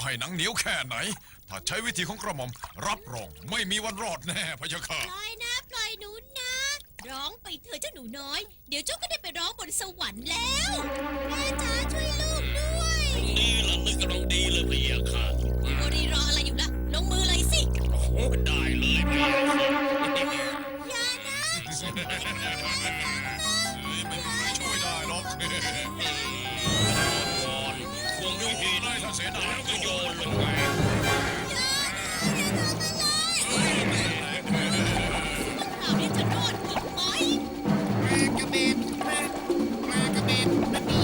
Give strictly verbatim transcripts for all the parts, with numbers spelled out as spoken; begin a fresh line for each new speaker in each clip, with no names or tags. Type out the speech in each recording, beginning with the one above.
ให้หนังเหนียวแค่ไหนถ้าใช้วิธีของกระหม่อมรับรองไม่มีวันรอดแน่พะยะค่ะ
ปล่อยนะปล่อยหนูนะร้องไปเถอะเจ้าหนูน้อยเดี๋ยวเจ้าก็ได้ไปร้องบนสวรรค์แล้วแม่จ๋าช่วยลูกด้วย
นี่ล่ะนึกกำลังดีเลยพี่ค่ะ
โมรีรออะไรอยู่ล่ะลงมือเลยสิ
โอ้โหได้เลยพี่ค่ะ
อย่านะ
ไม่มีใครช่วยได้หรอก
ก่อนควงด้วยหิน
เลยถ้าเสียดาย
แล้ว
ก็
ก็
โย
โย
น
นลงไป
คราวนี้จะรอดอีกไหม
ปลากระเบนปลาปลากระเบนนั่นนี่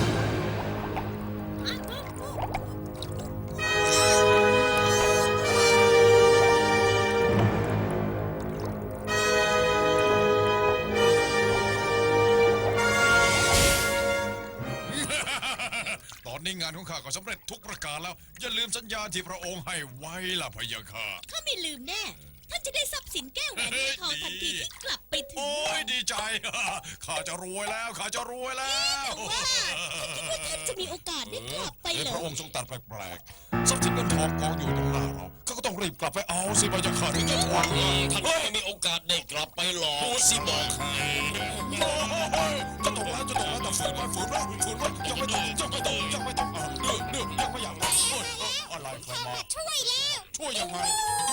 ตอนนี้งานของข้าก็สำเร็จทุกประการแล้วอย่าลืมสัญญาที่พระองค์ให้ไว้ล่ะพะยะค่ะ
ข้าไม่ลืมแน่ท่านจะได้ทรัพย์สินแก้วแหวนเงินทองทันทีที่กลับไปถึง
โอ้ยดีใจ ข้าจะรวยแล้วข้าจะรวยแล้ว
แต่ว่าคิดว่าท่านจะมีโอกาสได้กลับไป
เอ้ย
เหร
พ
อ
ระองค์ทรงตรัดแปลกๆทรัพย์สินเงินทองกองอยู่ตรงหน้าเราเขาก็ต้องรีบกลับไปเอาสิพะยะค่ะถึงจะหวัง
ท่านไม่มีโอกาสได้กลับไปหรอกสิบอกให้
จะตกแล้วจะตกแล้วแต่ฝืนไว้ฝืนไว้ฝืนไว้ยังไม่ต้องยังไม่ต้องยังไม่ต้องอ่ะเดือดเดือดยังไม่อยากรับเอ้ยเอ้ยอะไรใครมา
ช่วยแล้ว
ช่วยยังไง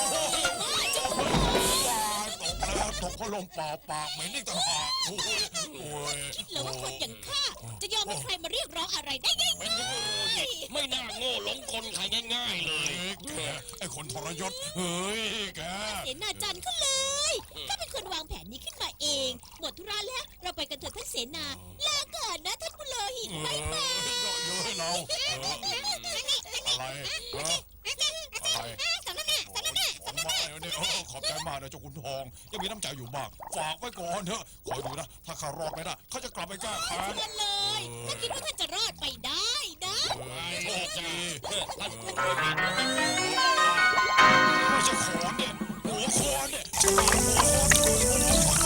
ตกแล้วตกก็ลมเปล่าปากเหม็นอีกต่างหากโอ้ยโอ้ย
คิดเหรอว่าคนอย่างข้าจะยอมให้ใครมาเรียกร้องอะไรได้ง่าย
ไม่น่าโง่หลงกลใครง่ายๆเลย
แกไอ้คนทรยศเฮ้ยแก
ๆเสนาจันทร์เขาเลยข้าเป็นคนวางแผนนี้ขึ้นมาเอง หมดธุระแล้วเราไปกันเถอะท่านเสนาลาก่อนนะท่านผู้เลอหินบายบาย
เยอะเยอะให้เราเอออะไรฮะอะไรของมาเนี่ยเออขอบใจมากนะเจ้าขุนทองยังมีน้ำใจอยู่บ้างฝากไว้ก่อนเถอะคอยดูนะถ้าข้ารอดไปได้เขาจะกลับไปแก้แค้น
ชวนเลยถ้าคิดว่าท่านจะรอดไปได้นะ
โชคดี
ท่าน
ไม่ใช่ขอนเนี่ยหัวคอนเนี่ยหัวคอน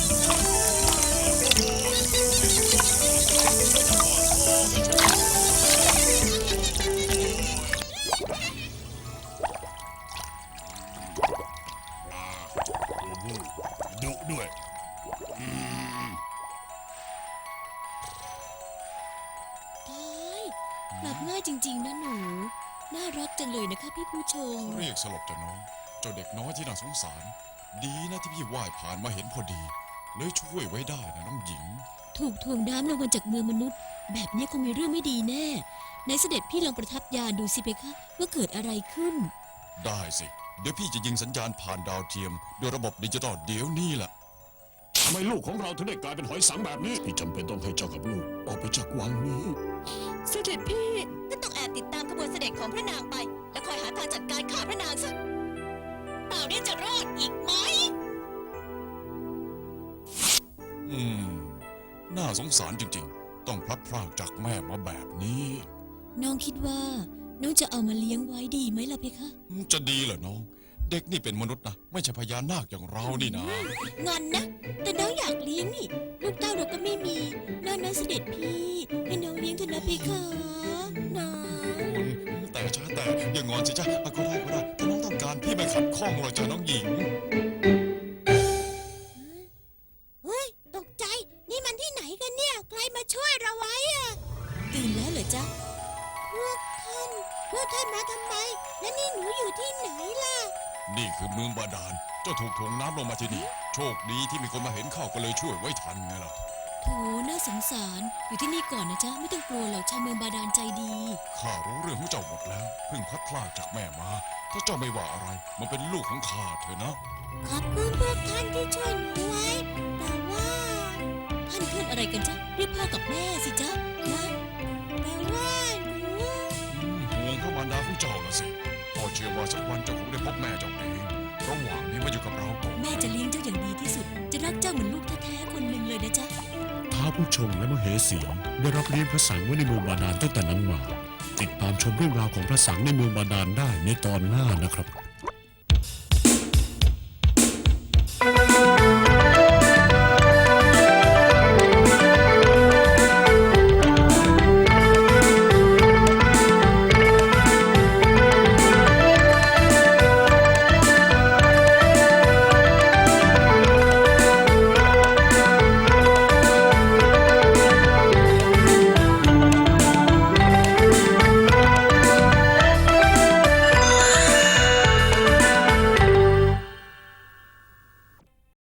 ดุด้วย
ตายหลับง่ายจริงๆนะหนู น่ารักจังเลยนะคะพี่ผู้ชม
เรียกสลบจ้ะน้องเจ้าเด็กน้อยที่น่าสงสาร ดีนะที่พี่ว่ายผ่านมาเห็นพอดีเลยช่วยไว้ได้นะน้องหญิง
ถูกถ่วงน้ำลงมาจากเมืองมนุษย์ แบบนี้คงมีเรื่องไม่ดีแน่ ในเสด็จพี่ลองประทับยานดูสิเพคะว่าเกิดอะไรขึ้น
ได้สิ เดี๋ยวพี่จะยิงสัญญาณผ่านดาวเทียมโดยระบบดิจิตอลเดี๋ยวนี้แหละ
ทำไมลูกของเราถึงได้กลายเป็นหอยสังแบบนี้พี่จำเป็นต้องให้เจ้ากับลูกออกไปจากวังนี้
เสด็จพี่ก็ต้องแอบติดตามขบวนเสด็จของพระนางไป แล้วคอยหาทางจัดการฆ่าพระนางซะเปล่าเนี่ยจะรอดอีกไหม
อืม น่าสงสารจริงๆ ต้องพลัดพรากจากแม่มาแบบนี้
น้องคิดว่า น้องจะเอามาเลี้ยงไว้ดีไหมล่ะเพคะ
จะดีเหรอน้อง เด็กนี่เป็นมนุษย์นะ ไม่ใช่พญานาคอย่างเรานี่นะ
งอนนะ แต่น้องอยากเลี้ยงนี่ ลูกเต้าเราก็ไม่มีน้องนะเสด็จพี่ ให้น้องเลี้ยงเถอะนะเพคะน้อง
แต่ช้าแต่อย่างงอนสิจ้ะอ่ะก็ได้ก็ได้ถ้าน้องต้องการพี่ไม่ขัดข้องหรอกจ้ะน้องหญิง
เฮ้ย ตกใจ นี่มันที่ไหนกันเนี่ย ใครมาช่วยเราไว้อะตื่นแล้วเหรอจ๊ะ พวกท่าน พวกท่านมาทำไม และนี่หนูอยู่ที่ไหนล่ะ
นี่คือเมืองบาดาล เจ้าถูกถ่วงน้ำลงมาที่นี่ โชคดีที่มีคนมาเห็นเข้าก็เลยช่วยไว้ทันไงล่ะ
โถน่าสงสาร อยู่ที่นี่ก่อนนะจ๊ะ ไม่ต้องกลัวหรอกชาวเมืองบาดาลใจดี
ข้ารู้เรื่องของเจ้าหมดแล้ว เพิ่งพลัดพรากจากแม่มา ถ้าเจ้าไม่ว่าอะไร มันเป็นลูกของข้าเถอะนะ
ขอบคุณพวกท่านที่ช่วยหนูไว้ แต่ว่า ท่านเพื่อนอะไรกันจ๊ะ เรียกพ่อกับแม่สิจ๊ะนะแต่ว่าหนู
อืมห่วงพระมารดาของเจ้าละสิพ่อเชื่อว่าสักวันเจ้าคงได้พบแม่เจ้าเอง ระหว่างนี้มาอยู่กับเราก่อน
แม่จะเลี้ยงเจ้าอย่างดีที่สุด จะรักเจ้าเหมือนลูกแท้ๆคนหนึ่งเลยนะจ๊ะ
ท้าวผู้ชงและมเหสีได้รับเลี้ยงพระสังไว้ในเมืองบาดาลตั้งแต่นั้นมา ติดตามชมเรื่องราวของพระสังในเมืองบาดาลได้ในตอนหน้านะครับ